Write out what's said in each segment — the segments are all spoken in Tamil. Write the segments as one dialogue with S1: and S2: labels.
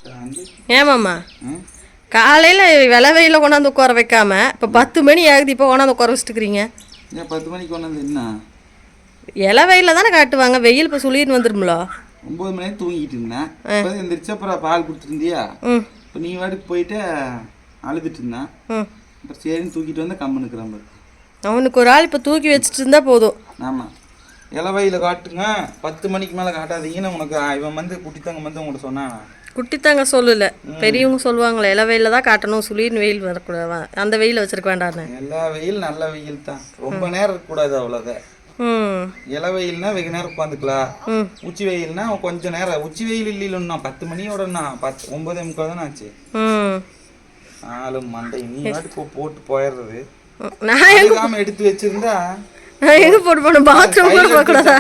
S1: ஏமாம்மா காலையில் விலை வெயில கொண்டாந்து உட்கார வைக்காம இப்போ 10 மணி ஆகுது, இப்போ கொண்டாந்து உட்கார வச்சுட்டுக்கிறீங்க.
S2: ஏன் 10 மணிக்கு கொண்டாந்து என்ன
S1: இலை வெயில தானே காட்டுவாங்க, வெயில் இப்போ சுளின்னு வந்துடும்ல.
S2: 9 மணி தூங்கிட்டு இருந்தேன், இப்போ எந்திரிச்சு அப்புறம் பால் கொடுத்துருந்தியா, இப்போ நீ வாட்டுக்கு போயிட்டு அழுதுட்டு இருந்தேன், அப்புறம் சரின்னு தூக்கிட்டு வந்து கம்மு நிற்கிறான்.
S1: அவனுக்கு ஒரு ஆள் இப்போ தூக்கி வச்சுட்டு இருந்தா போதும்.
S2: ஆமாம், இலவையில் காட்டுங்க, 10 மணிக்கு மேலே காட்டாதீங்கன்னு உனக்கு இவன் வந்து குட்டித்தங்க வந்து உங்கள்கிட்ட சொன்னான்.
S1: குட்டித்தாங்க சொல்லல, பெரியவங்க சொல்லுவாங்களே இலை வெயில தான் காட்டணும், சுளின்னு வெயில் வரக்கூடாது, அந்த வெயில வச்சிருக்க வேண்டான்னு.
S2: எல்லா வெயில் நல்ல வெயில் தான், ரொம்ப நேரம் இருக்கக்கூடாது அவ்வளோதான். இலை வெயில்னா வெகு நேரம் உட்காந்துக்கலாம், உச்சி வெயில்னா கொஞ்சம் நேரம். உச்சி வெயில் இல்லைன்னா 10 மணியோடனா 9:45 தானே ஆச்சு. ஆளும் மண்டை நீ வாட்டுக்கு போட்டு போயிடுறது. நான் எடுத்து வச்சிருந்தா
S1: எங்க போட்டு போன பாத்ரூம் கூட போக கூடாதா?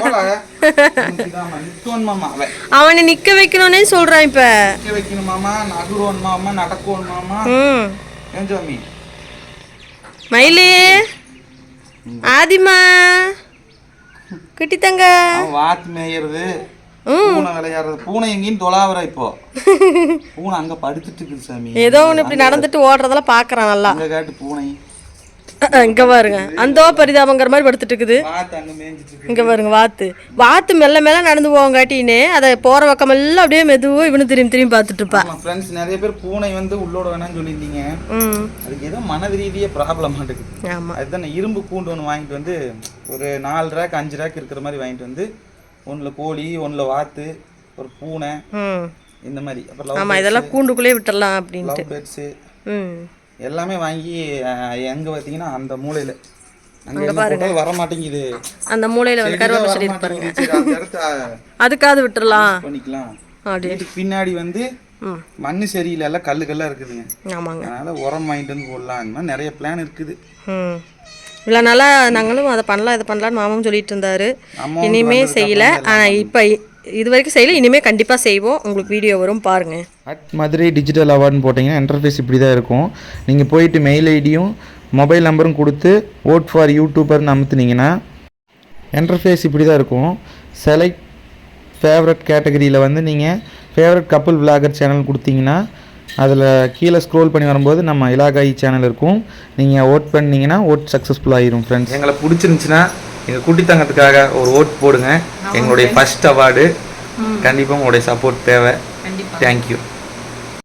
S1: அவனை நிக்க வைக்கணும்னே சொல்றான். இப்ப
S2: நிக்க வைக்கணும் மாமா, நகுரோன் மாமா, நடக்கோன் மாமா. ஏஞ்சாமி
S1: மயிலே ஆதிமா கிட்டித்தங்க
S2: வாத்து மேயறது, பூனை விளையாடுறது. பூனை எங்கேயும் தொலாவற, இப்போ பூனை அங்க படுத்துட்டு இருக்குது சாமி.
S1: ஏதோ ஒன்று இப்படி நடந்துட்டு ஓடுறதெல்லாம் பாக்குறான் நல்லா.
S2: அங்க காட்டு பூனை
S1: இங்க பாருங்க, அந்த பரிதாபங்கிற மாதிரி படுத்துட்டு இருக்குது. இங்க பாருங்க, வாத்து மெல்ல மெல்ல நடந்து போவங்காட்டின்னு அதை போற பக்கம் எல்லாம் அப்படியே மெதுவா இவனு திரும்பி திரும்பி பார்த்துட்டு இருப்பான்.
S2: ஃப்ரெண்ட்ஸ், நிறைய பேர் பூனை வந்து உள்ளோட வேணாம்னு சொல்லியிருந்தீங்க. அதுக்கு ஏதோ மன ரீதியா ப்ராப்ளம் இருக்குது.
S1: ஆமா,
S2: அதுதான் இரும்பு கூண்டு ஒன்று வாங்கிட்டு வந்து ஒரு 4 ரேக் 5 ரேக் இருக்கிற மாதிரி வாங்கிட்டு வந்து, ஒன்றுல கோழி, ஒன்றுல வாத்து, ஒரு பூனை, இந்த மாதிரி.
S1: அப்புறம் இதெல்லாம் கூண்டுக்குள்ளே விட்டுடலாம் அப்படின்ட்டு
S2: பேட்ஸு எல்லாமே வாங்கி எங்க பார்த்தீங்கன்னா அந்த மூலையில வர மாட்டேங்குது.
S1: அந்த மூலையில வந்து கருவேப்பிலை செடி பாருங்க, அதுக்காவது விட்டுறலாம்
S2: பண்ணிக்கலாம். வீட்டுக்கு பின்னாடி வந்து மண்ணு சரியில்லை, எல்லாம் கல்லுக்கெல்லாம் இருக்குதுங்க.
S1: ஆமாங்க,
S2: அதனால உரம் வாங்கிட்டு வந்து போடலாம். அந்த மாதிரி நிறைய பிளான் இருக்குது.
S1: இல்லை நல்லா நாங்களும் அதை பண்ணலாம் இதை பண்ணலான்னு மாமாவும் சொல்லிட்டு இருந்தாரு. இனிமே செய்யலை, ஆனால் இப்போ இது வரைக்கும் செய்யலை, இனிமேல் கண்டிப்பாக செய்வோம். உங்களுக்கு வீடியோ வரும் பாருங்கள்.
S2: மதுரை டிஜிட்டல் அவார்டுன்னு போட்டிங்கன்னா இன்டர்ஃபேஸ் இப்படி தான் இருக்கும். நீங்கள் போயிட்டு மெயில் ஐடியும் மொபைல் நம்பரும் கொடுத்து ஓட் ஃபார் யூடியூபர்னு அமுத்துனீங்கன்னா இன்டர்ஃபேஸ் இப்படி தான் இருக்கும். செலக்ட் ஃபேவரட் கேட்டகரியில் வந்து நீங்கள் ஃபேவரட் கப்புள் விளாகர் சேனல் கொடுத்தீங்கன்னா அதில் கீழே ஸ்க்ரோல் பண்ணி வரும்போது நம்ம இலாகாயி சேனல் இருக்கும். நீங்கள் ஓட் பண்ணிங்கன்னா ஓட் சக்ஸஸ்ஃபுல் ஆகிரும். ஃப்ரெண்ட்ஸ், எங்களை பிடிச்சிருந்துச்சுன்னா எங்கள் குட்டித்தங்கத்துக்காக ஒரு ஓட் போடுங்க. எங்களுடைய ஃபர்ஸ்ட் அவார்டு. கண்டிப்பாக உங்களுடைய சப்போர்ட் தேவை. தேங்க்யூ.